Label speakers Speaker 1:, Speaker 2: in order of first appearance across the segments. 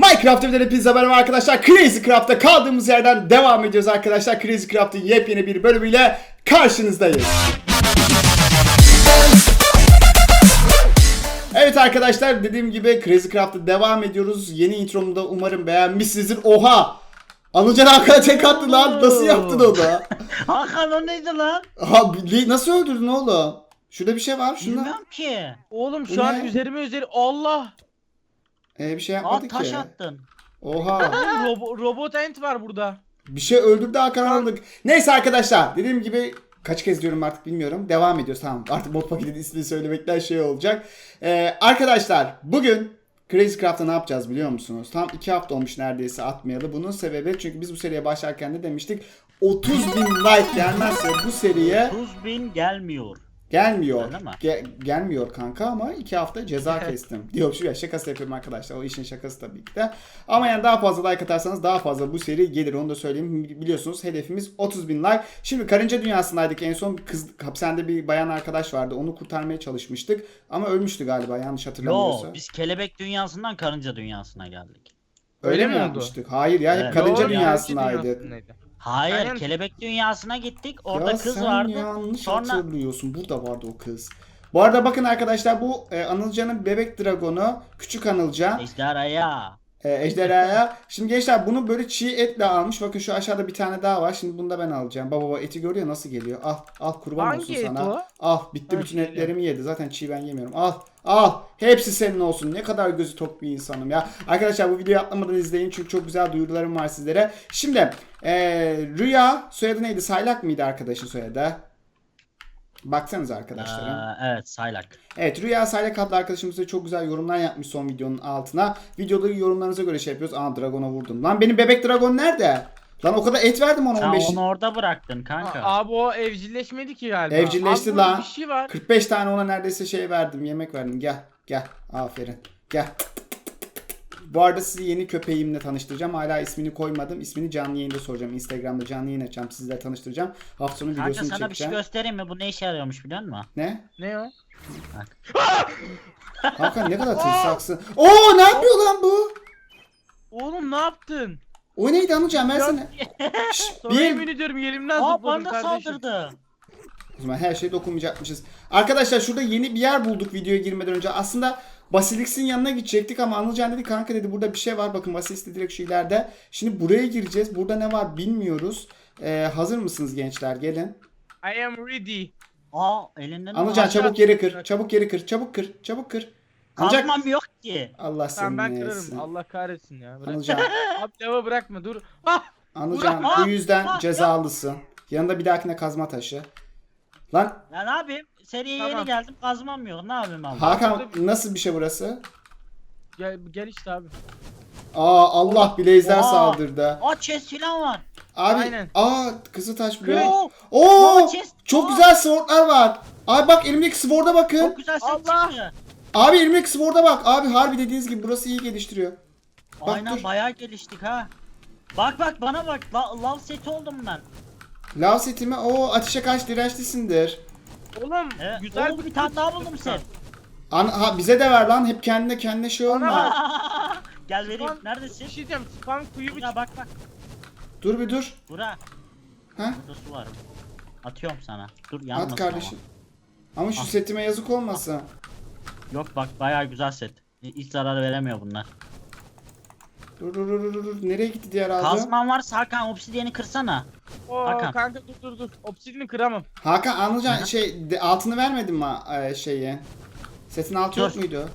Speaker 1: Minecraft evleri hepinize merhaba arkadaşlar. Crazy Craft'ta kaldığımız yerden devam ediyoruz arkadaşlar. Crazy Craft'ın yepyeni bir bölümüyle karşınızdayız. Evet arkadaşlar, dediğim gibi Crazy Craft'ta devam ediyoruz. Yeni intromu da umarım beğenmişsinizdir. Oha! Anılcan Hakan'a tek attı lan. Nasıl yaptın onu?
Speaker 2: Hakan o neydi lan?
Speaker 1: Nasıl öldürdün oğlum? Şurada bir şey var. Şunda.
Speaker 2: Bilmem ki.
Speaker 3: Oğlum
Speaker 1: Bu
Speaker 3: şu an
Speaker 1: ne?
Speaker 3: üzerime Allah.
Speaker 1: Bir şey
Speaker 2: Aa
Speaker 1: yapmadı
Speaker 2: taş
Speaker 1: ki.
Speaker 2: attın.
Speaker 1: Oha.
Speaker 3: Robot ent var burada.
Speaker 1: Bir şey öldürdü Hakan anladık. Neyse arkadaşlar, dediğim gibi kaç kez diyorum artık bilmiyorum. Devam ediyoruz, tamam. Artık mod paketinin ismini söylemekten şey olacak. Arkadaşlar bugün Crazy Craft'ta ne yapacağız biliyor musunuz? Tam 2 hafta olmuş neredeyse atmayalı. Bunun sebebi, çünkü biz bu seriye başlarken de demiştik 30.000 like gelmezse bu seriye
Speaker 2: 30.000 gelmiyor.
Speaker 1: gelmiyor.
Speaker 2: Öyle mi?
Speaker 1: Gelmiyor kanka, ama 2 hafta ceza kestim. Diyor şu ya, şakası yapıyorum arkadaşlar. O işin şakası tabii ki de. Ama yani daha fazla like atarsanız daha fazla bu seri gelir. Onu da söyleyeyim. Biliyorsunuz hedefimiz 30.000 like. Şimdi karınca dünyasındaydık. En son kız hapishanede bir bayan arkadaş vardı. Onu kurtarmaya çalışmıştık. Ama ölmüştü galiba, yanlış hatırlamıyorsam.
Speaker 2: Yo biz kelebek dünyasından karınca dünyasına geldik.
Speaker 1: Öyle mi
Speaker 3: oldu?
Speaker 1: yapmıştık? Hayır ya, hep
Speaker 2: Evet.
Speaker 1: karınca
Speaker 3: Doğru,
Speaker 1: dünyasındaydık.
Speaker 3: dünyasındaydı.
Speaker 2: Hayır,
Speaker 3: Aynen.
Speaker 2: kelebek dünyasına gittik. Orada
Speaker 1: Ya
Speaker 2: kız
Speaker 1: sen
Speaker 2: vardı.
Speaker 1: yanlış
Speaker 2: Sonra
Speaker 1: hatırlıyorsun. Burada vardı o kız. Bu arada bakın arkadaşlar, bu Anılcan'ın bebek dragonu. Küçük Anılcan.
Speaker 2: ejderhaya.
Speaker 1: Ejderhaya. Şimdi gençler bunu böyle çiğ etle almış. Bakın şu aşağıda bir tane daha var. Şimdi bunu da ben alacağım. Baba eti görüyor nasıl geliyor. Al kurban
Speaker 3: Hangi
Speaker 1: olsun
Speaker 3: et
Speaker 1: sana.
Speaker 3: o?
Speaker 1: Al bitti,
Speaker 3: Ha,
Speaker 1: bütün
Speaker 3: şöyle.
Speaker 1: etlerimi yedi. Zaten çiğ ben yemiyorum. Al. Hepsi senin olsun. Ne kadar gözü tok bir insanım ya. Arkadaşlar bu videoyu atlamadan izleyin. Çünkü çok güzel duyurularım var sizlere. Şimdi Rüya, soyadı neydi? Saylak mıydı arkadaşın soyadı? Baksanıza arkadaşlarım.
Speaker 2: Evet, saylak.
Speaker 1: Evet, Rüya Saylak adlı arkadaşımız da çok güzel yorumlar yapmış son videonun altına. Videoda yorumlarınıza göre şey yapıyoruz. Dragon'a vurdum. Lan benim bebek dragon nerede? Lan o kadar et verdim ona,
Speaker 2: Sen
Speaker 1: 15.
Speaker 2: onu orada bıraktın kanka.
Speaker 3: Abi o evcilleşmedi ki galiba.
Speaker 1: Evcilleşti
Speaker 3: Abi burada
Speaker 1: lan.
Speaker 3: Bir şey var.
Speaker 1: 45 tane ona neredeyse şey verdim. Yemek verdim. Gel. Aferin. Gel. Bu arada sizi yeni köpeğimle tanıştıracağım. Hala ismini koymadım. İsmini canlı yayında soracağım. Instagram'da canlı yayın açacağım. Sizlerle tanıştıracağım. Hafta sonu
Speaker 2: Kanka
Speaker 1: videosunu
Speaker 2: sana bir şey
Speaker 1: çekeceğim.
Speaker 2: göstereyim mi? Bu ne işe yarıyormuş biliyor musun?
Speaker 1: Ne?
Speaker 3: Ne o?
Speaker 2: Bak.
Speaker 1: Hakan ne kadar tırsaksın. Oo, ne yapıyor lan bu?
Speaker 3: Oğlum ne yaptın?
Speaker 1: O neydi Anılcan, ben sana.
Speaker 3: Sana yemin ediyorum yerimden
Speaker 2: Aa
Speaker 3: zıpladım
Speaker 2: bana
Speaker 3: kardeşim.
Speaker 2: saldırdı.
Speaker 1: O zaman her şeye dokunmayacakmışız. Arkadaşlar şurada yeni bir yer bulduk videoya girmeden önce. Aslında Basilix'in yanına gidecektik ama Anılcan dedi kanka dedi burada bir şey var. Bakın Basilix de direkt şu ileride. Şimdi buraya gireceğiz. Burada ne var bilmiyoruz. Hazır mısınız gençler? Gelin.
Speaker 3: I am ready.
Speaker 2: Aa elinden
Speaker 1: Anılcan
Speaker 3: aşağı
Speaker 1: çabuk yeri kır.
Speaker 3: atacak.
Speaker 1: Çabuk kır. Ancak
Speaker 2: Kazmam yok ki.
Speaker 1: Allah
Speaker 3: Tamam
Speaker 1: seni
Speaker 3: ben
Speaker 1: ne
Speaker 3: kırarım.
Speaker 1: etsin.
Speaker 3: Allah kahretsin ya. Bırak.
Speaker 1: Anılcan,
Speaker 3: Abi lava bırakma dur. Ah!
Speaker 1: Anılcan
Speaker 2: Bırak.
Speaker 1: bu yüzden cezalısın. Yanında bir dahakine kazma taşı. Lan
Speaker 2: Ya ne yapayım? Seriye
Speaker 3: Tamam.
Speaker 2: yeni geldim, kazmam yok. Ne yapayım abi?
Speaker 1: Hakan, nasıl bir şey burası?
Speaker 3: Gel işte abi.
Speaker 1: Allah, Blaze'ler
Speaker 2: Oha.
Speaker 1: saldırdı.
Speaker 2: Aa chest filan var.
Speaker 1: Abi,
Speaker 3: Aynen.
Speaker 1: Kızıltaş buraya.
Speaker 2: Oo.
Speaker 1: Oo!
Speaker 2: chest.
Speaker 1: Çok
Speaker 2: Aa.
Speaker 1: güzel swordlar var. Abi bak, elimdeki sword'a bakın.
Speaker 2: Çok güzel set
Speaker 3: Allah.
Speaker 2: çıktı.
Speaker 1: Abi elimdeki sword'a bak. Abi harbi dediğiniz gibi burası iyi geliştiriyor. Bak,
Speaker 2: Aynen
Speaker 1: dur.
Speaker 2: bayağı geliştik ha. Bak bana bak. Love seti oldum ben.
Speaker 1: Lav setimi, ateşe karşı dirençlisindir.
Speaker 3: Oğlum
Speaker 2: Evet.
Speaker 3: güzel
Speaker 2: Bir tane daha buldum set.
Speaker 1: Bize de ver lan. Hep kendine şey olma.
Speaker 2: Gel vereyim.
Speaker 3: Spam-
Speaker 2: Neredesin?
Speaker 3: Bir şey diyeceğim. Spam kuyu bir
Speaker 2: Bura bak.
Speaker 1: Dur bir dur.
Speaker 2: Bura.
Speaker 1: Ha?
Speaker 2: Burada su var. Atıyorum sana. Dur yanmasın
Speaker 1: At kardeşim. Ama şu setime yazık olmasın.
Speaker 2: ama. Yok bak bayağı güzel set. Hiç zarar veremiyor bunlar.
Speaker 1: Dur. Nereye gitti diğer aldığım?
Speaker 2: Kazman varsa Hakan obsidiyeni kırsana.
Speaker 3: Oo
Speaker 2: Hakan.
Speaker 3: kanka dur. Obsidini kıramam.
Speaker 1: Hakan anlayacaksın altını vermedin mi şeyi? Setin altı yok
Speaker 2: Dur.
Speaker 1: muydu?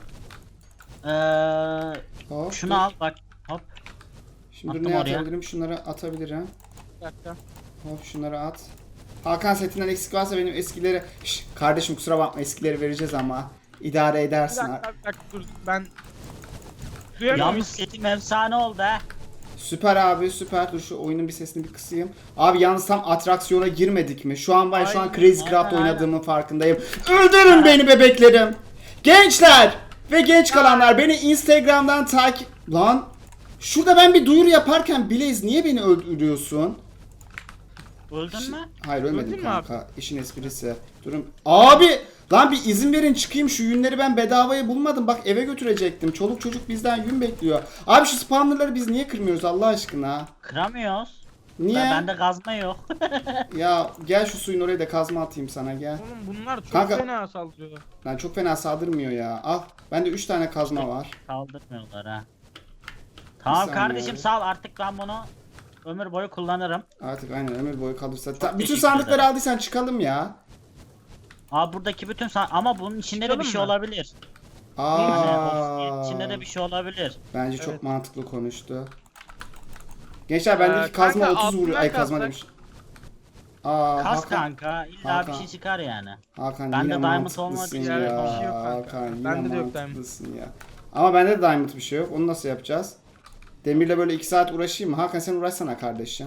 Speaker 1: Hop,
Speaker 2: Şunu
Speaker 1: dur.
Speaker 2: al bak. Hop.
Speaker 1: Şimdi dur,
Speaker 2: Attım
Speaker 1: ne
Speaker 2: oraya.
Speaker 1: atabilirim? Şunları atabilirim.
Speaker 3: Bir dakika.
Speaker 1: Hop, şunları at. Hakan setinden eksik varsa benim eskileri... kardeşim kusura bakma, eskileri vereceğiz ama idare
Speaker 3: Bir
Speaker 1: edersin.
Speaker 3: dakika dur. Ben duyamıyorum.
Speaker 2: Yalnız setim efsane oldu ha.
Speaker 1: Süper abi, süper. Dur şu oyunun bir sesini bir kısayım. Abi yalnız tam atraksiyona girmedik mi? Şu an şu an
Speaker 3: Aynen,
Speaker 1: Crazy Craft
Speaker 2: aynen.
Speaker 1: oynadığımın farkındayım. Öldürün beni bebeklerim. Gençler ve genç kalanlar, beni Instagram'dan takip... Lan şurada ben bir duyuru yaparken Blaze niye beni öldürüyorsun?
Speaker 2: Öldün mü?
Speaker 1: Hayır ölmedim
Speaker 3: Öldün mü
Speaker 1: kanka. İşin esprisi. Durun. Abi Lan bir izin verin çıkayım, şu yünleri ben bedavaya bulmadım. Bak eve götürecektim. Çoluk çocuk bizden yün bekliyor. Abi şu spawnerları biz niye kırmıyoruz Allah aşkına?
Speaker 2: Kıramıyoruz.
Speaker 1: Niye?
Speaker 2: Bende kazma yok.
Speaker 1: Ya gel şu suyun oraya da kazma atayım sana gel.
Speaker 3: Oğlum bunlar çok
Speaker 1: Kanka-
Speaker 3: fena saldırıyor.
Speaker 1: Lan çok fena saldırmıyor ya. Al. Bende 3 tane kazma var.
Speaker 2: Kaldırmıyorlar ha. Tamam
Speaker 1: saniye
Speaker 2: kardeşim
Speaker 1: abi.
Speaker 2: sağ ol, artık ben bunu ömür boyu kullanırım.
Speaker 1: Artık aynen ömür boyu kalırsa. Bütün
Speaker 2: teşekkür
Speaker 1: sandıkları
Speaker 2: ederim.
Speaker 1: aldıysan çıkalım ya.
Speaker 2: Aa buradaki bütün ama bunun içinde de bir
Speaker 3: Çıkalım
Speaker 2: şey
Speaker 3: mı?
Speaker 2: olabilir. Yani obsidian
Speaker 1: Aa.
Speaker 2: içinde de bir şey olabilir.
Speaker 1: Bence çok
Speaker 3: Evet.
Speaker 1: mantıklı konuştu. Gençler bendeki kazma
Speaker 3: kanka,
Speaker 1: 30 vuruyor.
Speaker 3: altından
Speaker 1: Ay kazma
Speaker 3: kazsak.
Speaker 1: demiş. Aa
Speaker 2: Kas
Speaker 1: Hakan.
Speaker 2: kanka illa
Speaker 1: Hakan.
Speaker 2: bir şey çıkar yani.
Speaker 1: Hakan
Speaker 2: Bende
Speaker 1: yine
Speaker 2: diamond
Speaker 1: mantıklısın
Speaker 2: olmadığı
Speaker 3: için
Speaker 1: ya.
Speaker 3: bir şey yok kanka.
Speaker 1: Hakan yine
Speaker 3: Bende de yok
Speaker 1: mantıklısın ya. Ama bende de diamond bir şey yok. Onu nasıl yapacağız? Demirle böyle 2 saat uğraşayım mı? Hakan sen uğraşsana kardeşim.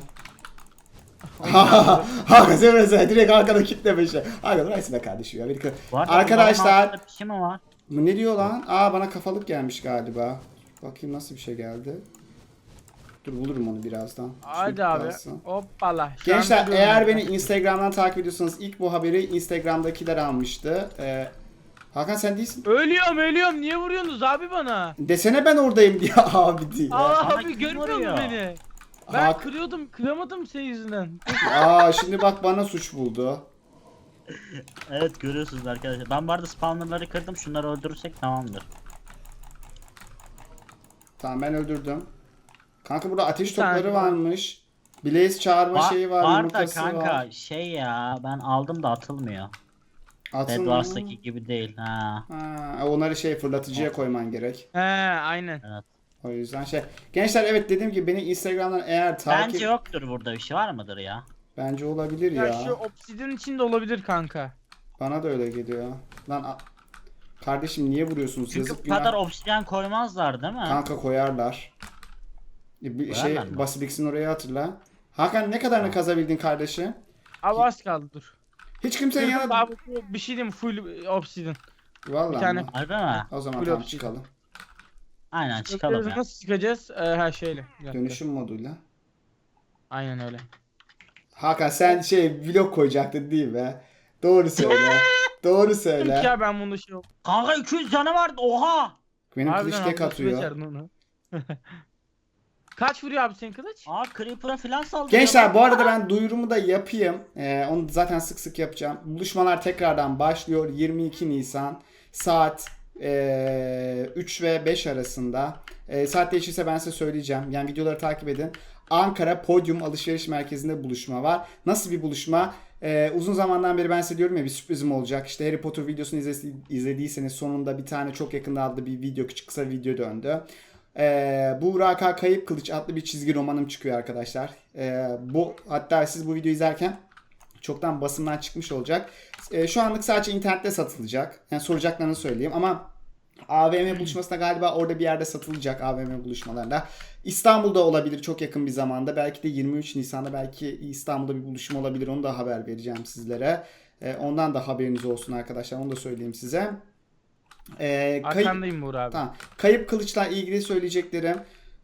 Speaker 1: Hakan sen uğraşsana. Direkt arkada kitle beşe. Hakan uğraşsana kardeşim ya.
Speaker 2: Bu arada
Speaker 1: Arkadaşlar.
Speaker 2: bunların altında bir şey mi var?
Speaker 1: Bu ne diyor lan? Aa bana kafalık gelmiş galiba. Bakayım nasıl bir şey geldi. Dur bulurum onu birazdan.
Speaker 3: Hadi
Speaker 1: Şunu
Speaker 3: abi.
Speaker 1: kalsın.
Speaker 3: Hoppala. Şu an
Speaker 1: Gençler
Speaker 3: biliyorum
Speaker 1: eğer
Speaker 3: ben.
Speaker 1: beni Instagram'dan takip ediyorsanız ilk bu haberi Instagram'dakiler almıştı. Hakan sen değilsin.
Speaker 3: Ölüyorum. Niye vuruyorsunuz abi bana?
Speaker 1: Desene ben oradayım diye abi diye.
Speaker 3: Aa
Speaker 2: Bana
Speaker 3: abi
Speaker 2: kim
Speaker 3: görmüyor
Speaker 2: vuruyor?
Speaker 3: musun beni? Ben
Speaker 1: Hak-
Speaker 3: kıramadım senin yüzünden.
Speaker 1: Aa şimdi bak bana suç buldu.
Speaker 2: Evet görüyorsunuz arkadaşlar. Ben bu arada spawnerları kırdım. Şunları öldürürsek tamamdır.
Speaker 1: Tamam ben öldürdüm. Kanka burada ateş
Speaker 3: Bir tane
Speaker 1: topları
Speaker 3: var.
Speaker 1: varmış. Blaze çağırma şeyi var,
Speaker 2: Var da
Speaker 1: yumurtası
Speaker 2: kanka
Speaker 1: var.
Speaker 2: şey ya ben aldım da atılmıyor.
Speaker 1: Atın
Speaker 2: Bed
Speaker 1: mı?
Speaker 2: Wars'taki gibi değil ha.
Speaker 1: Ha, onları şey fırlatıcıya koyman gerek.
Speaker 3: He aynen.
Speaker 2: Evet.
Speaker 1: O yüzden şey. Gençler evet dediğim gibi beni Instagram'dan eğer takip...
Speaker 2: Bence yoktur burada bir şey, var mıdır ya?
Speaker 1: Bence olabilir
Speaker 3: Ya,
Speaker 1: ya.
Speaker 3: şu obsidian içinde olabilir kanka.
Speaker 1: Bana da öyle geliyor. Lan kardeşim niye vuruyorsunuz?
Speaker 2: Çünkü
Speaker 1: Yazık
Speaker 2: bu kadar
Speaker 1: günah.
Speaker 2: obsidyen koymazlar değil mi?
Speaker 1: Kanka koyarlar. Bir şey
Speaker 2: Koyarlar mı?
Speaker 1: Basilix'in oraya hatırla. Hakan ne kadarını kazabildin kardeşim?
Speaker 3: Abi az kaldı dur.
Speaker 1: Hiç kimsenin
Speaker 3: Kırdım
Speaker 1: yanına...
Speaker 3: abi bir şey diyeyim full obsidian.
Speaker 1: Vallahi
Speaker 3: bir tane-
Speaker 1: mi?
Speaker 2: Harbi mi?
Speaker 1: O zaman
Speaker 3: Full
Speaker 1: tamam
Speaker 3: obsidian.
Speaker 1: çıkalım.
Speaker 2: Aynen çıkalım ya.
Speaker 3: Nasıl çıkacağız? Her şeyle. Bir dakika.
Speaker 1: Dönüşüm moduyla.
Speaker 3: Aynen öyle.
Speaker 1: Hakan sen vlog koyacaktın değil mi? Doğru söyle. Doğru
Speaker 3: Dedim
Speaker 1: söyle.
Speaker 3: ki ya ben bunu şey
Speaker 2: Kanka 200 canı vardı oha.
Speaker 1: Benim kılıç
Speaker 3: Harbiden
Speaker 1: tek
Speaker 3: abi, nasıl
Speaker 1: atıyor.
Speaker 3: becerdin onu? Kaç vuruyor abi senin kılıç?
Speaker 2: Aa Creeper'a filan saldırıyor.
Speaker 1: Gençler bu arada ben duyurumu da yapayım. Onu zaten sık sık yapacağım. Buluşmalar tekrardan başlıyor. 22 Nisan saat 3 ve 5 arasında. Saat değişirse ben size söyleyeceğim. Yani videoları takip edin. Ankara Podium Alışveriş Merkezi'nde buluşma var. Nasıl bir buluşma? Uzun zamandan beri ben size diyorum ya bir sürprizim olacak. İşte Harry Potter videosunu izlediyseniz sonunda bir tane çok yakında adlı bir video, küçük kısa video döndü. Buğra Kayıp Kılıç adlı bir çizgi romanım çıkıyor arkadaşlar. Hatta siz bu videoyu izlerken çoktan basımdan çıkmış olacak. Şu anlık sadece internette satılacak. Yani soracaklarını söyleyeyim ama AVM buluşmasında galiba orada bir yerde satılacak, AVM buluşmalarında. İstanbul'da olabilir çok yakın bir zamanda. Belki de 23 Nisan'da belki İstanbul'da bir buluşma olabilir. Onu da haber vereceğim sizlere. Ondan da haberiniz olsun arkadaşlar. Onu da söyleyeyim size.
Speaker 3: Arkandayım Buğra abi.
Speaker 1: Tamam. Kayıp Kılıç'la ilgili söyleyeceklerim.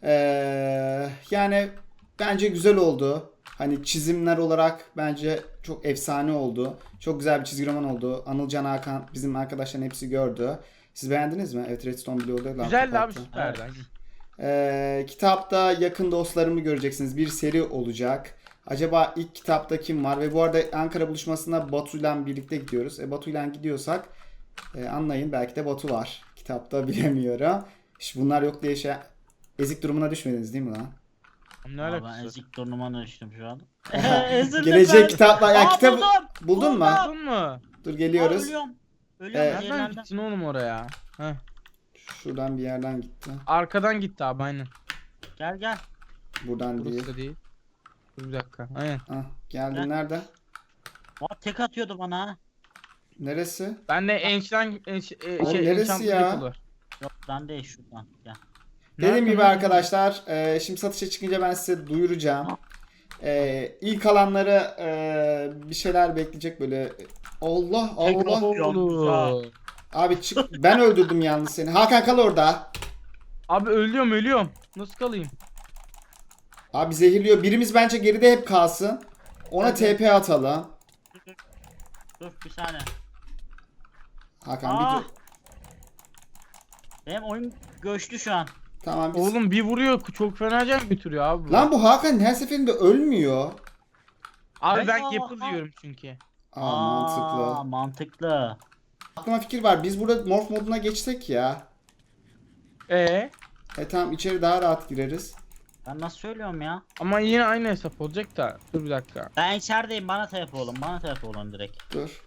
Speaker 1: Yani bence güzel oldu. Hani çizimler olarak bence çok efsane oldu. Çok güzel bir çizgi roman oldu. Anılcan Hakan bizim arkadaşların hepsi gördü. Siz beğendiniz mi? Evet Redstone bile orada.
Speaker 3: Güzeldi abi
Speaker 1: kapattı.
Speaker 3: süperdi.
Speaker 1: Kitapta yakın dostlarımı göreceksiniz. Bir seri olacak. Acaba ilk kitapta kim var? Ve bu arada Ankara buluşmasına Batu'yla birlikte gidiyoruz. Batu'yla gidiyorsak anlayın belki de Batu var. Kitapta bilemiyorum. İşte bunlar yok diye ezik durumuna düşmediniz değil mi lan?
Speaker 3: Ne
Speaker 2: Aa,
Speaker 3: alakası
Speaker 2: ben
Speaker 3: var?
Speaker 2: ezik turnuvana düştüm şu an.
Speaker 1: Gelecek kitaplar. Ya
Speaker 2: Aa,
Speaker 1: kitap
Speaker 2: buldum.
Speaker 1: buldun mu?
Speaker 3: Buldun mu?
Speaker 1: Dur
Speaker 2: Aa,
Speaker 1: geliyoruz.
Speaker 2: ölüyorum.
Speaker 3: Nereden
Speaker 2: Yerlerden.
Speaker 3: gittin oğlum oraya? Heh.
Speaker 1: Şuradan bir yerden gitti.
Speaker 3: Arkadan gitti abi aynen.
Speaker 2: Gel gel.
Speaker 1: Buradan değil.
Speaker 3: Burası da değil. Dur bir dakika. Aynen.
Speaker 1: Ah, geldin
Speaker 2: Gel.
Speaker 1: nerede?
Speaker 2: Aa, tek atıyordu bana.
Speaker 1: Neresi?
Speaker 3: Ben de enchant
Speaker 1: Oğlum neresi
Speaker 3: enchant
Speaker 1: ya?
Speaker 3: rifle var.
Speaker 2: Yok ben değil şuradan. Gel.
Speaker 1: Dediğim
Speaker 3: Nerede
Speaker 1: gibi
Speaker 3: lan?
Speaker 1: arkadaşlar şimdi satışa çıkınca ben size duyuracağım. İlk alanları bir şeyler bekleyecek böyle. Allah Allah.
Speaker 3: Oğlum.
Speaker 1: Abi çık. Ben öldürdüm yalnız seni. Hakan kal orada.
Speaker 3: Abi ölüyorum. Nasıl kalayım?
Speaker 1: Abi zehirliyor. Birimiz bence geride hep kalsın. Ona
Speaker 3: Hadi.
Speaker 1: TP atalım.
Speaker 2: Dur bir saniye.
Speaker 1: Hakan
Speaker 2: Aa!
Speaker 1: bir dur.
Speaker 2: Benim oyun göçtü şu an.
Speaker 1: Tamam biz...
Speaker 3: Oğlum bir vuruyor çok fena can götürüyor abi. bu.
Speaker 1: Lan bu Hakan her seferinde ölmüyor.
Speaker 3: Abi ben
Speaker 2: Aa,
Speaker 3: Gapple
Speaker 2: aa.
Speaker 3: diyorum çünkü.
Speaker 1: Aa, mantıklı.
Speaker 2: Mantıklı.
Speaker 1: Aklıma fikir var. Biz burada morph moduna geçsek ya. Tamam içeri daha rahat gireriz.
Speaker 2: Ben nasıl söylüyorum ya?
Speaker 3: Ama yine aynı hesap olacak da. Dur bir dakika.
Speaker 2: Ben içerideyim, bana tep olun. Bana tep olun direkt.
Speaker 1: Dur.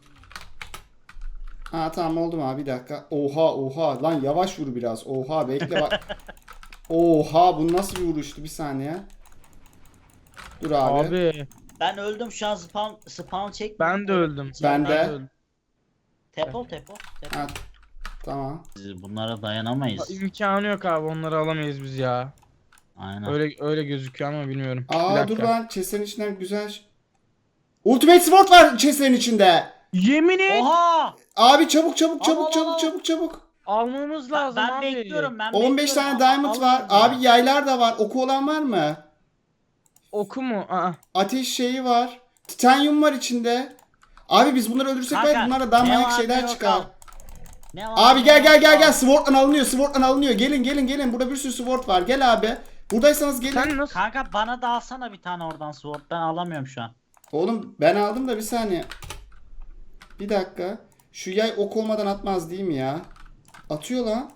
Speaker 1: Ha tamam oldu mu abi bir dakika. Oha lan yavaş vur biraz. Oha bekle bak. Oha bu nasıl bir vuruştu bir saniye. Dur abi.
Speaker 3: Abi
Speaker 2: Ben öldüm şu an, spawn çek.
Speaker 3: ben de öldüm.
Speaker 1: Ben de.
Speaker 3: öldüm.
Speaker 2: Tep ol.
Speaker 1: Ha, tamam.
Speaker 2: Biz bunlara dayanamayız.
Speaker 3: İmkanı yok abi onları alamayız biz ya.
Speaker 2: Aynen.
Speaker 3: Öyle gözüküyor ama bilmiyorum. Bir
Speaker 1: Aa
Speaker 3: dakika.
Speaker 1: dur lan chest'lerin içinden güzel. Ultimate Sword var chest'lerin içinde.
Speaker 3: Yemin et.
Speaker 2: Oha!
Speaker 1: Abi çabuk
Speaker 2: Al.
Speaker 1: çabuk.
Speaker 3: Almamız lazım
Speaker 2: Ben
Speaker 3: abi.
Speaker 2: bekliyorum.
Speaker 1: 15 tane diamond var. Abi yaylar da var. Oku olan var mı?
Speaker 3: Oku mu? Aa.
Speaker 1: Ateş şeyi var. Titanyum var içinde. Abi biz bunları öldürsek
Speaker 2: Kanka,
Speaker 1: belki bunlara daha
Speaker 2: ne
Speaker 1: manyak
Speaker 2: var,
Speaker 1: şeyler
Speaker 2: ne yok
Speaker 1: çıkar.
Speaker 2: al. Ne var,
Speaker 1: Abi
Speaker 2: ne
Speaker 1: gel.
Speaker 2: yok al.
Speaker 1: Sword'dan alınıyor. Gelin. Burada bir sürü sword var. Gel abi. Buradaysanız gelin.
Speaker 3: Sen nasıl?
Speaker 2: Kanka bana da alsana bir tane oradan sword. Ben alamıyorum şu an.
Speaker 1: Oğlum ben aldım da bir saniye. Bir dakika. Şu yay ok olmadan atmaz değil mi ya? Atıyor lan.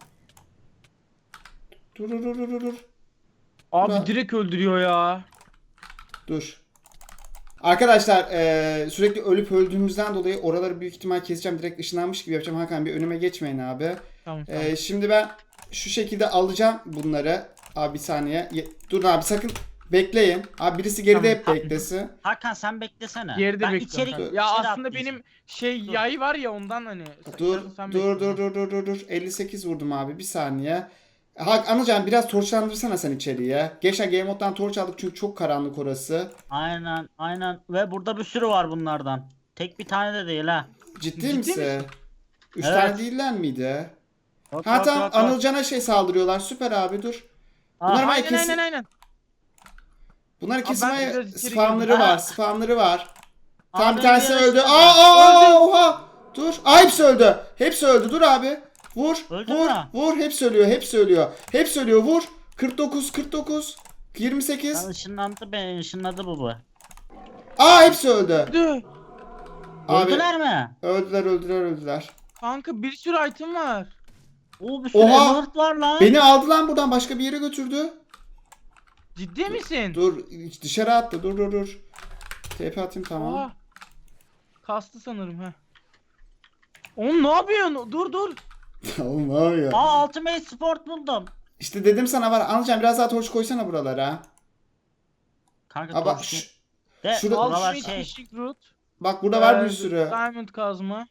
Speaker 1: Dur.
Speaker 3: Abi
Speaker 1: Bura-
Speaker 3: direkt öldürüyor ya.
Speaker 1: Dur. Arkadaşlar sürekli ölüp öldüğümüzden dolayı oraları büyük ihtimal keseceğim. Direkt ışınlanmış gibi yapacağım. Hakan bir önüme geçmeyin abi.
Speaker 3: Tamam.
Speaker 1: Şimdi ben şu şekilde alacağım bunları. Abi bir saniye. Dur abi sakın bekleyin. Abi birisi geride
Speaker 3: Tamam.
Speaker 1: hep beklesin.
Speaker 2: Hakan sen beklesene.
Speaker 3: Geride
Speaker 2: ben
Speaker 3: bekliyorum.
Speaker 2: içeri,
Speaker 3: Ya
Speaker 2: içeri
Speaker 3: aslında
Speaker 2: atlayacağım.
Speaker 3: benim
Speaker 2: Dur.
Speaker 3: yay var ya ondan hani.
Speaker 1: Dur.
Speaker 3: Sen bekle.
Speaker 1: 58 vurdum abi. Bir saniye. Anılcan biraz torçlandırsana sen içeriye. Geçen Game Mode'dan torç aldık çünkü çok karanlık orası.
Speaker 2: Aynen. Ve burada bir sürü var bunlardan. Tek bir tane de değil ha.
Speaker 1: Ciddi
Speaker 3: Ciddi
Speaker 1: misin?
Speaker 3: misin?
Speaker 1: 3
Speaker 2: Evet.
Speaker 1: tane değiller miydi?
Speaker 2: Yok,
Speaker 1: Ha
Speaker 2: yok,
Speaker 1: tamam
Speaker 2: yok, yok.
Speaker 1: Anılcan'a şey saldırıyorlar. Süper abi dur.
Speaker 2: Aa,
Speaker 1: Bunlar var ya
Speaker 3: Aynen
Speaker 1: kesin.
Speaker 3: aynen.
Speaker 1: Bunların
Speaker 3: Abi
Speaker 1: kesin
Speaker 3: ben
Speaker 1: var ya,
Speaker 3: biraz içeri
Speaker 1: spamları
Speaker 2: girdim.
Speaker 1: var.
Speaker 2: Aa.
Speaker 1: Spamları var. Tam
Speaker 2: Abi
Speaker 1: bir tanesi
Speaker 2: bir
Speaker 1: öldü.
Speaker 2: yarışma
Speaker 1: Aa oha. Dur. Hepsi öldü. Dur abi. Vur.
Speaker 2: Öldü mü?
Speaker 1: Vur. Hepsi ölüyor. Vur. 49. 28.
Speaker 2: Ben ışınladı bu.
Speaker 1: Aa hepsi öldü.
Speaker 3: Öldü.
Speaker 1: Abi
Speaker 2: Öldüler mi?
Speaker 1: öldüler.
Speaker 3: Kanka bir sürü item var.
Speaker 2: Oo, bir sürü
Speaker 1: Oha!
Speaker 2: emerald var lan.
Speaker 1: Beni aldı lan buradan başka bir yere götürdü.
Speaker 3: Ciddi misin?
Speaker 1: Dur dışarı attı. Dur. TP atayım tamam.
Speaker 3: Oha. Kastı sanırım ha. Oğlum ne yapıyorsun? Dur.
Speaker 1: Oğlum ne yapıyor?
Speaker 2: Aa, Ultimate Sport buldum.
Speaker 1: İşte dedim sana var. Anlayacağım biraz daha torç koysana buralara.
Speaker 2: Kanka
Speaker 1: Aa, bak,
Speaker 2: torch
Speaker 1: şş,
Speaker 2: de
Speaker 1: şurada-
Speaker 2: buralar
Speaker 3: Ultimate
Speaker 2: şey.
Speaker 3: Fishing Root.
Speaker 1: bak burada var bir
Speaker 3: Ee,
Speaker 1: sürü.
Speaker 3: Diamond kazma.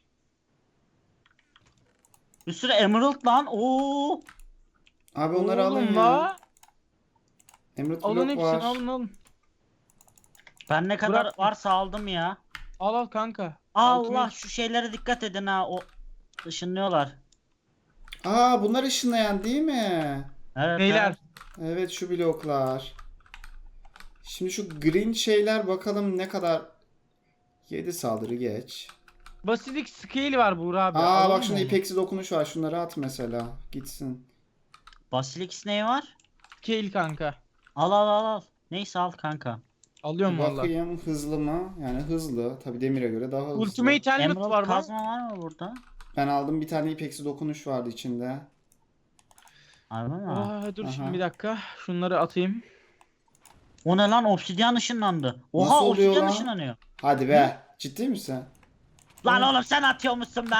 Speaker 2: Bir sürü emerald lan. Oo.
Speaker 1: Abi onları alın
Speaker 3: Oğlum
Speaker 1: ya.
Speaker 3: la.
Speaker 1: Emerald
Speaker 3: Alın
Speaker 1: block
Speaker 3: hepsini
Speaker 1: var.
Speaker 3: alın.
Speaker 2: Ben ne kadar
Speaker 3: Bırak.
Speaker 2: varsa aldım ya.
Speaker 3: Al kanka.
Speaker 2: Allah,
Speaker 3: Ultimate-
Speaker 2: şu şeylere dikkat edin ha. O ışınlıyorlar.
Speaker 1: Aa bunlar ışınlayan değil mi?
Speaker 2: Evet.
Speaker 3: Beyler.
Speaker 1: Evet şu bloklar. Şimdi şu green şeyler bakalım ne kadar. 7 saldırı geç.
Speaker 3: Basilik scale var Buğra abi.
Speaker 1: Aa
Speaker 3: alalım
Speaker 1: bak
Speaker 3: mı
Speaker 1: şunda
Speaker 3: onu?
Speaker 1: ipeksi dokunuş var. Şunları at mesela. Gitsin.
Speaker 2: Basilix neyi var?
Speaker 3: Scale kanka.
Speaker 2: Al. Neyse al kanka.
Speaker 3: Alıyorum valla.
Speaker 1: Bakayım hızlı mı? Yani hızlı. Tabi demire göre daha hızlı.
Speaker 3: Ultimate helmet
Speaker 2: Emerald
Speaker 3: var mı?
Speaker 2: kazma var mı burada?
Speaker 1: Ben aldım bir tane ipeksi dokunuş vardı içinde.
Speaker 2: Harbi mi?
Speaker 3: Dur
Speaker 1: Aha.
Speaker 3: şimdi bir dakika. Şunları atayım.
Speaker 2: O ne lan, obsidyen ışınlandı. Oha,
Speaker 1: Nasıl oluyor
Speaker 2: obsidyen
Speaker 1: lan?
Speaker 2: ışınlanıyor.
Speaker 1: Hadi be. Ciddi misin?
Speaker 2: Lan oğlum sen atıyormuşsun be.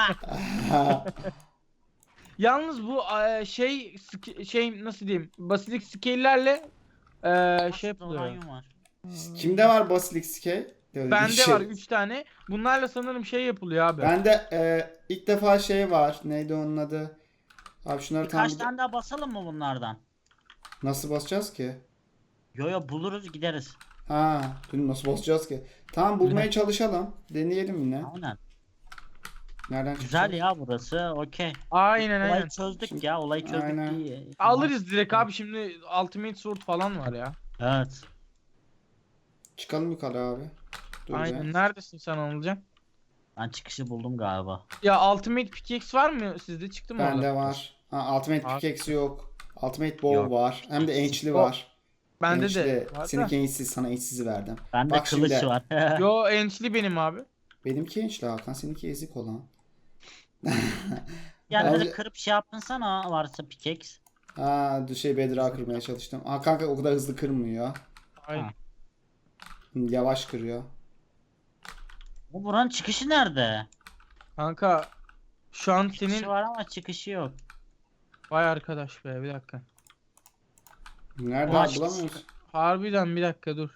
Speaker 3: Yalnız bu şey nasıl diyeyim? Basilik scale'lerle şey yapılıyor.
Speaker 2: Uranyum var.
Speaker 1: Kimde var Basilisk Scale? Öyle bir
Speaker 3: Bende
Speaker 1: şey.
Speaker 3: var 3 tane. Bunlarla sanırım şey yapılıyor abi.
Speaker 1: Bende ilk defa şey var. Neydi onun adı? Abi şunları tam
Speaker 2: Birkaç tane daha basalım mı bunlardan?
Speaker 1: nasıl basacağız ki?
Speaker 2: Yo buluruz gideriz.
Speaker 1: Ha, dün nasıl basacağız ki? Tamam bulmaya çalışalım. Deneyelim yine.
Speaker 2: Aynen.
Speaker 1: Nereden
Speaker 2: Güzel
Speaker 1: çıkacak?
Speaker 2: ya burası. Okey.
Speaker 3: Aynen
Speaker 2: Olayı
Speaker 3: aynen.
Speaker 2: çözdük
Speaker 1: Şimdi-
Speaker 2: ya. Olayı çözdük.
Speaker 1: Aynen.
Speaker 2: İyi.
Speaker 3: Alırız direkt abi şimdi Ultimate Sword falan var ya.
Speaker 2: Ben çıkışı buldum galiba.
Speaker 3: Ya Ultimate Pickaxe var mı sizde, çıktı mı
Speaker 1: Bende
Speaker 3: orada?
Speaker 1: var. Ha, Ultimate
Speaker 3: Abi.
Speaker 1: Pickaxe yok. Ultimate Bow
Speaker 2: Yok.
Speaker 1: var. Hem de Ench'li
Speaker 3: O-
Speaker 1: var.
Speaker 3: Bende
Speaker 1: Ench'li.
Speaker 3: de var da.
Speaker 1: Seninki Ench'siz, sana Ench'sizi verdim.
Speaker 2: Bende
Speaker 1: Bak
Speaker 2: kılıç
Speaker 1: şimdi.
Speaker 2: var.
Speaker 3: Yo, enchli benim abi.
Speaker 1: Benimki Ench'li Hakan, seninki ezik olan.
Speaker 2: Yani
Speaker 1: Bence-
Speaker 2: böyle kırıp şey yaptın sana varsa pickaxe.
Speaker 1: Ha, Bedrock'ı kırmaya çalıştım. Aa kanka o kadar hızlı kırmıyor.
Speaker 3: Aynen.
Speaker 2: Ha.
Speaker 1: Yavaş kırıyor.
Speaker 2: Bu buranın çıkışı nerede?
Speaker 3: Kanka şu an
Speaker 2: Çıkışı
Speaker 3: senin
Speaker 2: var ama çıkışı yok.
Speaker 3: vay arkadaş be, bir dakika.
Speaker 1: Nerede
Speaker 2: Ulan
Speaker 1: abi, bulamıyoruz.
Speaker 3: Harbiden bir dakika dur.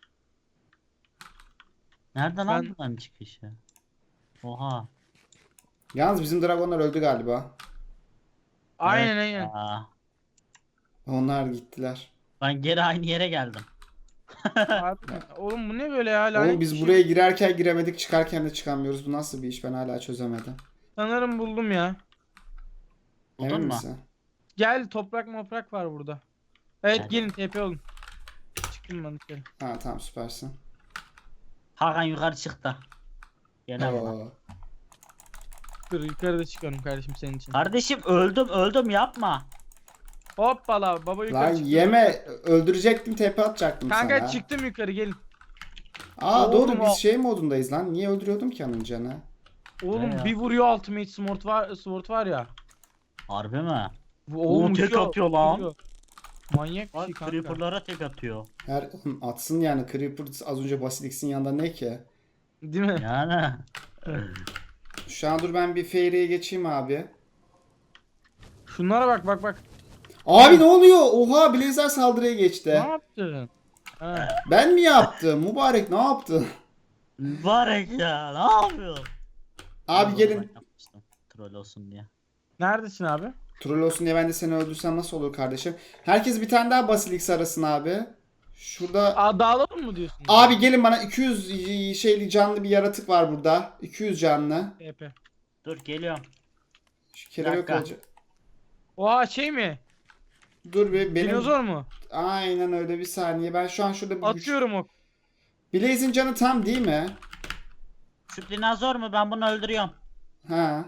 Speaker 2: Nerede lan
Speaker 3: Ben-
Speaker 2: buranın çıkışı? Oha.
Speaker 1: Yalnız bizim dragonlar öldü galiba.
Speaker 3: Aynen
Speaker 2: Evet
Speaker 3: aynen.
Speaker 2: ya.
Speaker 1: Onlar gittiler.
Speaker 2: Ben geri aynı yere geldim.
Speaker 3: Harbiden. Oğlum bu ne böyle ya? Lanet
Speaker 1: Oğlum
Speaker 3: bir
Speaker 1: biz
Speaker 3: şey.
Speaker 1: buraya girerken giremedik, çıkarken de çıkamıyoruz. Bu nasıl bir iş, ben hala çözemedim.
Speaker 3: Sanırım buldum ya.
Speaker 2: Buldun
Speaker 1: Emin
Speaker 2: mu?
Speaker 1: misin?
Speaker 3: Gel, toprak moprak var burada. Evet,
Speaker 2: Gel.
Speaker 3: gelin TP olun. Çıktım ben dışarı.
Speaker 1: Ha tamam, süpersin.
Speaker 2: Hakan yukarı çıktı. Gene bana.
Speaker 1: Oo.
Speaker 3: Dur yukarıda çıkıyorum kardeşim senin için.
Speaker 2: Kardeşim öldüm yapma.
Speaker 3: Hoppala, baba yukarı
Speaker 1: Lan
Speaker 3: çıktı.
Speaker 1: yeme, öldürecektim, tepe atacaktım
Speaker 3: Kanka
Speaker 1: sana.
Speaker 3: çıktım yukarı, gelin.
Speaker 1: Aa
Speaker 3: Oğlum
Speaker 1: doğru,
Speaker 3: o-
Speaker 1: biz şey modundayız lan. Niye öldürüyordum ki onun canı?
Speaker 3: Oğlum
Speaker 2: Ne ya?
Speaker 3: bir vuruyor Ultimate Sword var ya.
Speaker 2: Harbi mi?
Speaker 3: Oğlum
Speaker 2: tek
Speaker 3: uçuyor,
Speaker 2: atıyor lan.
Speaker 3: vuruyor. Manyak bir
Speaker 2: Bak
Speaker 3: şey kanka.
Speaker 2: creeper'lara tek atıyor.
Speaker 1: Her oğlum atsın yani, Creeper az önce Basilisk'in yanında ne ki?
Speaker 3: Değil mi?
Speaker 2: Yani.
Speaker 1: Şu an dur ben bir Fairy'e geçeyim abi.
Speaker 3: Şunlara bak bak bak.
Speaker 1: Abi ne oluyor? Oha, Blazer saldırıya
Speaker 3: Ne
Speaker 1: geçti.
Speaker 3: yaptın? Ha.
Speaker 1: Ben mi yaptım? Mübarek ne yaptı?
Speaker 2: Mübarek ya, ne yapıyorsun?
Speaker 1: Abi
Speaker 2: Ben
Speaker 1: gelin.
Speaker 2: yapmıştım, troll olsun diye.
Speaker 3: Neredesin abi?
Speaker 1: Troll olsun diye ben de seni öldürsem nasıl olur kardeşim? Herkes bir tane daha Basilisk arasın abi. Şurada.
Speaker 3: Aa, dağılalım mı diyorsun?
Speaker 1: Abi gelin bana, 200 şeyli canlı bir yaratık var burada. 200 canlı.
Speaker 3: TP.
Speaker 2: Dur geliyorum.
Speaker 1: Şu kelebek
Speaker 2: dakika.
Speaker 1: olacak.
Speaker 3: Oha, şey mi?
Speaker 1: Dur bir benim.
Speaker 3: Dinozor mu?
Speaker 1: Aynen öyle, bir saniye. Ben şu an şurada bir güç.
Speaker 3: Atıyorum ok.
Speaker 1: Blaze'in canı tam değil mi?
Speaker 2: Şu dinozor mu? Ben bunu öldürüyorum.
Speaker 1: Ha.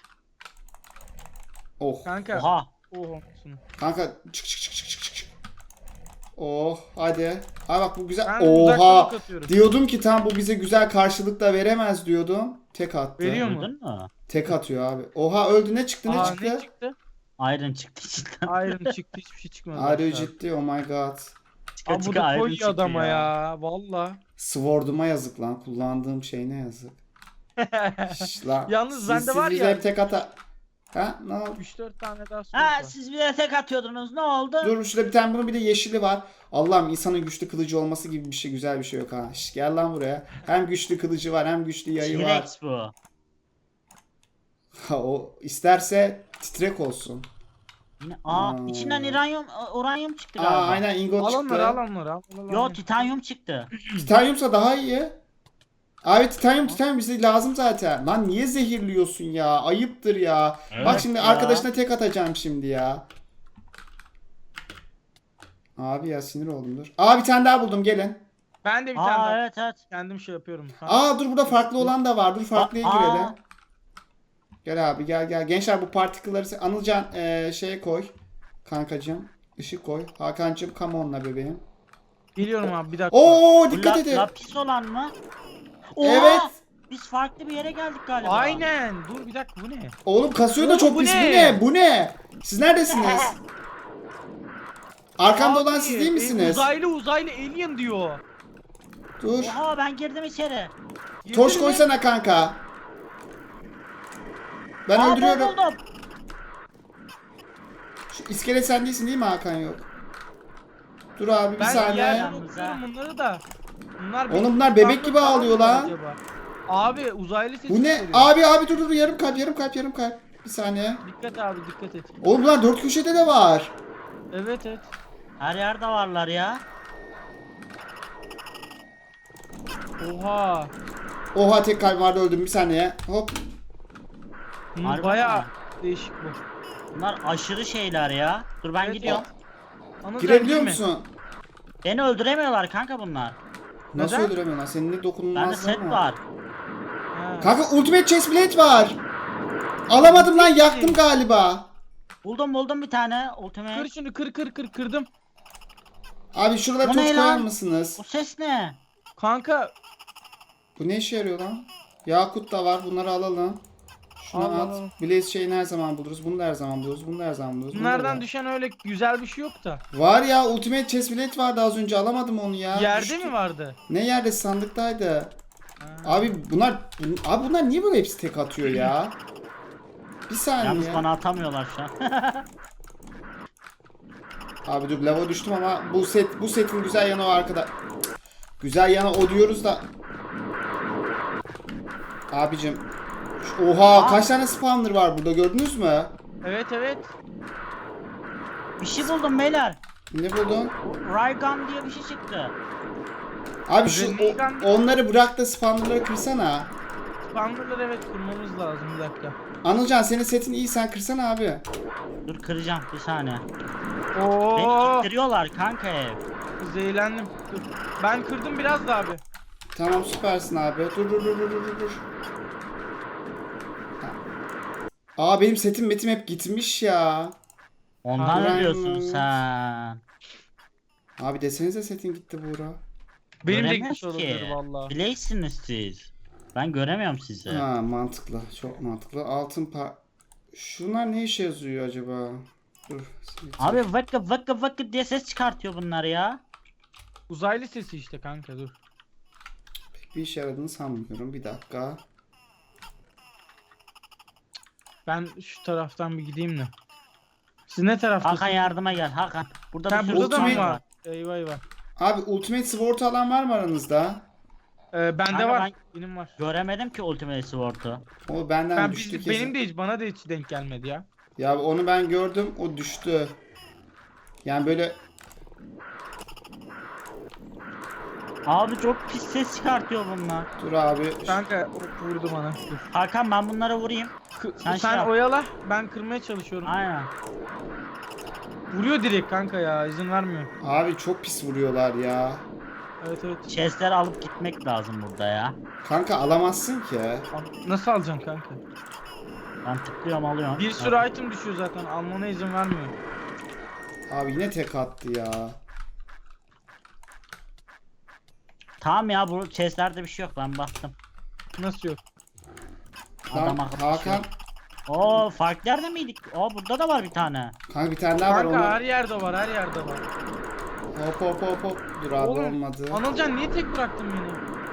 Speaker 1: Oh.
Speaker 3: Kanka.
Speaker 2: Oha.
Speaker 3: Oha.
Speaker 1: Kanka çık çık çık çık çık çık. Oh hadi. Abi bak bu güzel.
Speaker 3: Ben uzaktan
Speaker 1: Oha.
Speaker 3: ok atıyorum.
Speaker 1: Diyordum ki tam bu bize güzel karşılık da veremez diyordum. Tek attı.
Speaker 3: Veriyor mu?
Speaker 2: Öldün mü?
Speaker 1: Tek atıyor abi. Oha öldü, ne çıktı ne
Speaker 3: Aa,
Speaker 1: çıktı?
Speaker 3: ne çıktı?
Speaker 2: Iron çıktı içinden.
Speaker 3: Iron çıktı, hiçbir şey çıkmadı.
Speaker 1: Are you
Speaker 3: Başka.
Speaker 1: ciddi? Oh my god.
Speaker 2: Çıka
Speaker 3: Aa, bu
Speaker 2: çıka
Speaker 3: da
Speaker 2: Iron
Speaker 3: koyuyor
Speaker 2: çıktı
Speaker 3: adama ya. Valla.
Speaker 1: Sword'uma yazık lan. Kullandığım şey ne yazık. Şş, lan.
Speaker 3: Yalnız bende var
Speaker 1: bize
Speaker 3: ya.
Speaker 1: hep tek ata. Ha ne oldu?
Speaker 3: 3-4 tane daha sword
Speaker 2: Ha
Speaker 3: var.
Speaker 2: siz bir de tek atıyordunuz, ne oldu?
Speaker 1: Dur şurada bir tane, bunun bir de yeşili var. Allah'ım, insanın güçlü kılıcı olması gibi bir şey, güzel bir şey yok ha. Şş, gel lan buraya. Hem güçlü kılıcı var, hem güçlü yayı var.
Speaker 2: T-Rex bu.
Speaker 1: Ha, o isterse titrek olsun.
Speaker 2: Yine
Speaker 1: Hmm.
Speaker 2: içinden uranyum çıktı
Speaker 1: Aa
Speaker 2: galiba.
Speaker 1: aynen, ingot
Speaker 3: Al
Speaker 1: çıktı.
Speaker 3: onları, al onları. Al, al, al.
Speaker 2: Yo titanyum çıktı.
Speaker 1: Titanyumsa daha iyi. Abi titanyum bize lazım zaten. Lan niye zehirliyorsun ya? Ayıptır ya.
Speaker 2: Evet
Speaker 1: Bak şimdi
Speaker 2: ya.
Speaker 1: arkadaşına tek atacağım şimdi ya. Abi ya sinir oldum, dur. Aa bir tane daha buldum, gelin.
Speaker 3: Ben de bir tane daha.
Speaker 2: Evet.
Speaker 3: Kendim şey yapıyorum. Ha.
Speaker 1: Aa dur, burada farklı olan da var. Dur farklıya
Speaker 2: Aa.
Speaker 1: girelim. Gel abi gel. Gençler bu partikülleri Anılcan şeye koy. Kankacığım. Işık koy. Hakan'cığım come on'la bebeğim.
Speaker 3: Geliyorum abi, bir dakika.
Speaker 1: Oo
Speaker 2: Bu
Speaker 1: dikkat edin.
Speaker 2: lapis olan mı? Oha!
Speaker 1: Evet.
Speaker 2: Biz farklı bir yere geldik galiba.
Speaker 3: Aynen. Dur bir dakika, bu ne?
Speaker 1: Oğlum kasıyor da
Speaker 3: Oğlum,
Speaker 1: çok
Speaker 3: bu
Speaker 1: pis. Bu
Speaker 3: ne?
Speaker 1: ne? Bu ne? Siz neredesiniz? Arkamda olan
Speaker 3: Abi,
Speaker 1: siz değil misiniz?
Speaker 3: Uzaylı alien diyor.
Speaker 1: Dur.
Speaker 2: Oha ben girdim içeri.
Speaker 1: Torç
Speaker 3: Girdin mi?
Speaker 1: koysana kanka. Ben
Speaker 2: Aa,
Speaker 1: öldürüyorum.
Speaker 2: buldum.
Speaker 1: Şu iskelet sen değilsin değil mi Hakan, yok? Dur abi bir
Speaker 3: Ben
Speaker 1: saniye.
Speaker 3: yerden
Speaker 2: Yalnız
Speaker 3: okuyorum
Speaker 2: ha.
Speaker 3: bunları da.
Speaker 1: Oğlum bunlar bebek gibi
Speaker 3: Falan
Speaker 1: ağlıyor
Speaker 3: mı
Speaker 1: lan.
Speaker 3: acaba? Abi uzaylı sesi
Speaker 1: Bu ne?
Speaker 3: geliyor.
Speaker 1: Abi dur yarım kalp. Bir saniye.
Speaker 3: Dikkat abi, dikkat et.
Speaker 1: Oğlum bunlar dört köşede de var.
Speaker 3: Evet.
Speaker 2: Her yerde varlar ya.
Speaker 3: Oha.
Speaker 1: Oha tek kalp vardı, öldüm bir saniye. Hop.
Speaker 3: Bunlar
Speaker 2: Harbi
Speaker 3: bayağı
Speaker 2: mi?
Speaker 3: değişik bu.
Speaker 2: Bunlar aşırı şeyler ya. Dur ben
Speaker 3: Evet,
Speaker 2: gidiyorum.
Speaker 3: Anıl,
Speaker 1: Girebiliyor
Speaker 3: sen girme.
Speaker 1: musun?
Speaker 2: Beni öldüremiyorlar kanka bunlar.
Speaker 1: Nasıl
Speaker 3: Neden?
Speaker 1: öldüremiyorlar? Senin ne
Speaker 2: Bende
Speaker 1: dokunulmazlığın
Speaker 2: set var.
Speaker 3: Ha.
Speaker 1: Kanka ultimate chest plate var. Alamadım lan, yaktım galiba.
Speaker 2: Buldum bir tane
Speaker 3: Kır
Speaker 2: ultimate.
Speaker 3: şunu, kırdım.
Speaker 1: Abi şuralara
Speaker 2: O
Speaker 1: toz
Speaker 2: ne
Speaker 1: koyar
Speaker 2: lan?
Speaker 1: mısınız?
Speaker 2: Bu ses ne?
Speaker 3: Kanka
Speaker 1: Bu ne işe yarıyor lan? Yakut da var, bunları alalım. Şunu
Speaker 3: Al,
Speaker 1: at.
Speaker 3: al, al.
Speaker 1: Blaze şeyini her zaman buluruz. Bunu da her zaman buluruz. Bunu da her zaman buluruz. bunu da
Speaker 3: bunlardan
Speaker 1: var.
Speaker 3: düşen öyle güzel bir şey yok da.
Speaker 1: Var ya, ultimate chest plate vardı az önce, alamadım onu ya.
Speaker 3: Yerde
Speaker 1: Düştü.
Speaker 3: mi vardı?
Speaker 1: Ne yerde, sandıktaydı.
Speaker 3: Ha.
Speaker 1: Abi bunlar niye böyle hepsi tek atıyor ya? Bir
Speaker 2: Yalnız
Speaker 1: saniye.
Speaker 2: bana atamıyorlar şu an.
Speaker 1: Abi dur, lava düştüm ama bu setin güzel yanı o arkada. Güzel yanı o diyoruz da. Abicim. Oha, kaç tane spawner var burada, gördünüz mü?
Speaker 3: Evet.
Speaker 2: Bir şey buldum beyler.
Speaker 1: Ne buldun?
Speaker 2: Raygun diye bir şey çıktı.
Speaker 1: Abi şu
Speaker 3: Rengar-
Speaker 1: onları bırak da spawnerları kırsana.
Speaker 3: Spawner'ları evet kurmamız lazım, bir dakika.
Speaker 1: Anılcan, senin setin iyi, sen kırsana abi.
Speaker 2: Dur kıracağım bir saniye. Beni
Speaker 3: Oo,
Speaker 2: ittiriyorlar kanka ev.
Speaker 3: zehirlendim. Dur. Ben kırdım biraz da abi.
Speaker 1: Tamam, süpersin abi. Dur. Aa, benim setim hep gitmiş ya.
Speaker 2: Ondan ne
Speaker 1: Raygun.
Speaker 2: diyorsun sen?
Speaker 1: Abi desenize, setin gitti Buğra.
Speaker 3: Benim de
Speaker 2: Göremez
Speaker 3: gitmiş
Speaker 2: ki.
Speaker 3: olabilir valla.
Speaker 2: Bileysiniz siz. Ben göremiyorum sizi.
Speaker 1: Ha, mantıklı. Çok mantıklı. Şunlar ne işe yazıyor acaba? Dur.
Speaker 2: Abi vıkkı diye ses çıkartıyor bunlar ya.
Speaker 3: Uzaylı sesi işte kanka, dur.
Speaker 1: Pek bir işe yaradığını sanmıyorum. Bir dakika.
Speaker 3: Ben şu taraftan bir gideyim de. Siz ne taraftasınız?
Speaker 2: Hakan yardıma gel Hakan. Burada
Speaker 3: Ha,
Speaker 2: bir sürü
Speaker 3: burada da mı
Speaker 2: spawner
Speaker 3: var? Eyvah.
Speaker 1: Abi ultimate sword alan var mı aranızda?
Speaker 3: Bende
Speaker 2: Kanka
Speaker 3: var.
Speaker 2: ben-
Speaker 3: Benim var.
Speaker 2: Göremedim ki Ultimate Sword'u.
Speaker 1: O benden düştü kesin.
Speaker 3: Benim de hiç, bana da hiç denk gelmedi ya.
Speaker 1: Ya onu ben gördüm, o düştü. Yani böyle
Speaker 2: Abi çok pis ses çıkartıyor bunlar.
Speaker 1: dur abi.
Speaker 3: Kanka vurdu bana. Dur.
Speaker 2: Hakan ben bunlara vurayım. Sen
Speaker 3: Sen
Speaker 2: şey yap.
Speaker 3: oyala, ben kırmaya çalışıyorum.
Speaker 2: Aynen.
Speaker 3: Vuruyor direkt kanka ya, izin vermiyor.
Speaker 1: Abi çok pis vuruyorlar ya.
Speaker 3: Evet.
Speaker 2: Chest'leri alıp gitmek lazım burada ya.
Speaker 1: Kanka alamazsın ki.
Speaker 3: Nasıl alacaksın kanka?
Speaker 2: Ben tıklıyorum alıyorum.
Speaker 3: Bir sürü item düşüyor zaten, almana izin vermiyor.
Speaker 1: Abi yine tek attı ya.
Speaker 2: Tamam ya, bu chest'lerde bir şey yok, ben baktım.
Speaker 3: Nasıl yok?
Speaker 2: Adam akıllı bir şey
Speaker 1: Hakan.
Speaker 2: yok. Oo, farklı yerde miydik? Oo, burada da var bir tane.
Speaker 1: Kanka bir tane daha var,
Speaker 3: Kanka
Speaker 1: onu.
Speaker 3: her yerde var, her yerde var.
Speaker 1: Hop. Dur abi,
Speaker 3: Oğlum,
Speaker 1: olmadı.
Speaker 3: Anılcan niye tek bıraktın beni?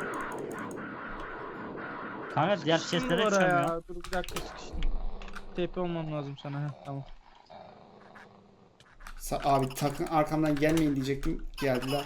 Speaker 2: Kanka diğer
Speaker 3: Sıkıştın
Speaker 2: chest'lere
Speaker 3: duvara
Speaker 2: çıkamıyor.
Speaker 3: ya. Dur bir dakika, sıkıştım. TP olmam lazım sana. Heh, tamam.
Speaker 1: Abi takın arkamdan gelmeyin diyecektim. Geldiler.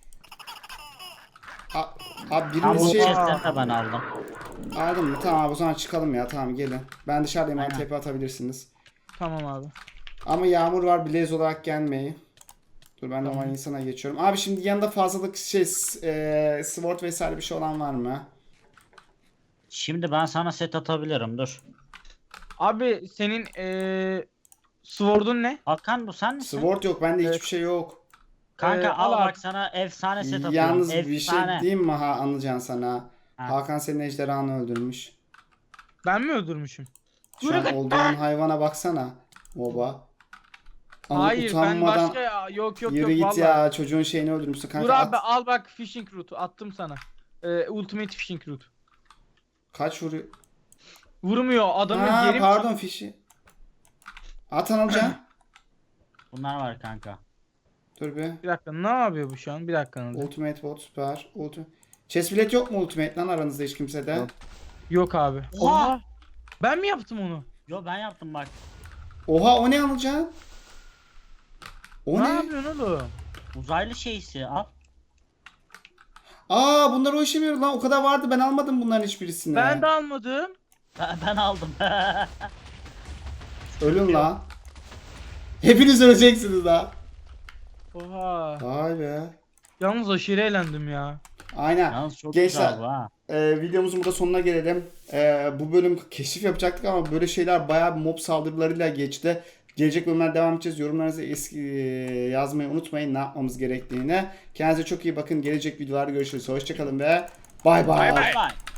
Speaker 1: Abi
Speaker 2: Tamam,
Speaker 1: biriniz
Speaker 2: bu
Speaker 1: şey
Speaker 2: chest'leri de ben aldım.
Speaker 1: aldın mı? Tamam abi, o zaman çıkalım ya. Tamam, gelin. Ben dışarıdayım, bana
Speaker 2: Aynen.
Speaker 1: tepe atabilirsiniz.
Speaker 3: Tamam abi.
Speaker 1: Ama yağmur var, blaze olarak gelmeyin. Dur, ben
Speaker 3: Tamam.
Speaker 1: normal insana geçiyorum. Abi şimdi yanında fazlalık sword vesaire bir şey olan var mı?
Speaker 2: Şimdi ben sana set atabilirim, dur.
Speaker 3: Abi senin sword'un ne?
Speaker 2: Hakan bu sen misin?
Speaker 1: Sword yok, bende
Speaker 3: Evet.
Speaker 1: hiçbir şey yok.
Speaker 2: Kanka
Speaker 3: al
Speaker 2: al
Speaker 3: abi.
Speaker 2: bak, sana efsane set atıyorum.
Speaker 1: Yalnız bir şey
Speaker 2: Efsane.
Speaker 1: diyeyim mi Anılcan sana?
Speaker 2: Ha.
Speaker 1: Hakan senin ejderhanı öldürmüş.
Speaker 3: Ben mi öldürmüşüm?
Speaker 1: Şu an olduğun hayvana baksana. Baba.
Speaker 3: Hayır, ben
Speaker 1: utanmadan
Speaker 3: başka ya. Yok
Speaker 1: yürü git
Speaker 3: vallahi.
Speaker 1: ya, çocuğun şeyini öldürmüşsün kanka.
Speaker 3: Dur abi, al bak, fishing route attım sana. Ultimate fishing route.
Speaker 1: Kaç vuruyor?
Speaker 3: Vurmuyor adamı,
Speaker 1: Ha,
Speaker 3: yerim.
Speaker 1: pardon, fişi. At Anılcan.
Speaker 2: Bunlar var kanka.
Speaker 1: Dur bir.
Speaker 3: Bir dakika, ne yapıyor bu şu an? Bir dakika. Anılcan.
Speaker 1: Ultimate bot süper. Chest plate yok mu ultimate lan aranızda hiç kimsede?
Speaker 2: Yok.
Speaker 3: Yok abi.
Speaker 2: Oha!
Speaker 3: Ben mi yaptım onu?
Speaker 2: Yo, ben yaptım bak.
Speaker 1: Oha, o ne Anılcan? O
Speaker 3: Ne
Speaker 1: ne?
Speaker 3: yapıyorsun oğlum?
Speaker 2: Uzaylı şeysi al.
Speaker 1: Aa, bunlar o işe mi yarıyor lan? O kadar vardı, ben almadım bunların hiçbirisini.
Speaker 3: Ben de almadım.
Speaker 2: Ben aldım.
Speaker 1: Ölün lan. Hepiniz öleceksiniz lan.
Speaker 3: Oha.
Speaker 1: Vay be.
Speaker 3: Yalnız aşırı eğlendim ya.
Speaker 1: Aynen.
Speaker 2: Yalnız çok
Speaker 1: Gençler,
Speaker 2: güzel bu ha.
Speaker 1: videomuzun burada sonuna gelelim. Bu bölüm keşif yapacaktık ama böyle şeyler bayağı mob saldırılarıyla geçti. Gelecek bölümler devam edeceğiz. Yorumlarınızı yazmayı unutmayın, ne yapmamız gerektiğini. Kendinize çok iyi bakın. Gelecek videolarda görüşürüz. Hoşçakalın ve bay bay.
Speaker 2: Bye bye.